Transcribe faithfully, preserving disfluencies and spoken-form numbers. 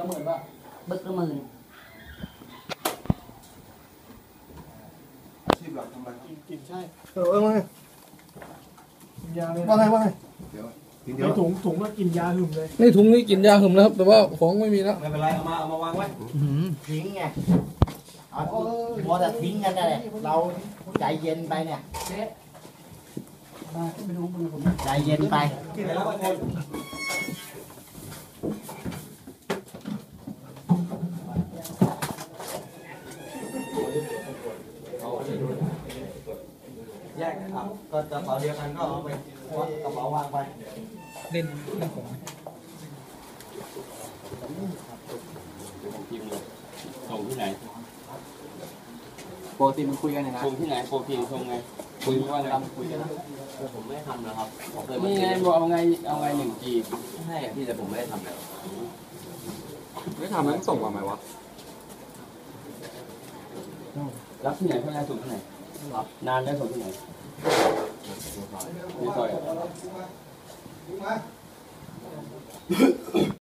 หมื่นป่ะบึกละหมื่นอาชีพหลักทำอะไรครับกินใช่เออเออว่าไงกินยาเลยว่าไงว่าไงเดี๋ยวทีเดียวในถุงถุงก็กินยาหึมเลยในถุงนี้กินยาหึมแล้วครับแต่ว่าของไม่มีแล้วไม่เป็นไรเอามาเอามาวางไว้ทิ้งไงเอามัวแต่ทิ้งกันนั่นแหละเราใจเย็นไปเนี่ยใจเย็นไปกินอะไรแล้วบางคนแยกครับก็กระเป๋าเดียวกันก็เอาไปกระเป๋าวางไปเล่นเล่นของพิมพ์เลยส่งที่ไหนปกติมันคุยกันยังไงส่งที่ไหนโปรพิมพ์ส่งไงคุยว่าไงคุยกันนะผมไม่ได้ทำนะครับผมเคยมานี่ไงบอกเอาไงเอาไงหนึ่งจีบใช่อะพี่แต่ผมไม่ได้ทำแล้วไม่ทำแล้วส่งมาไหมวะรับที่ไหนเพื่อนส่งที่ไหนรับนานแล้วส่งที่ไหนในซอย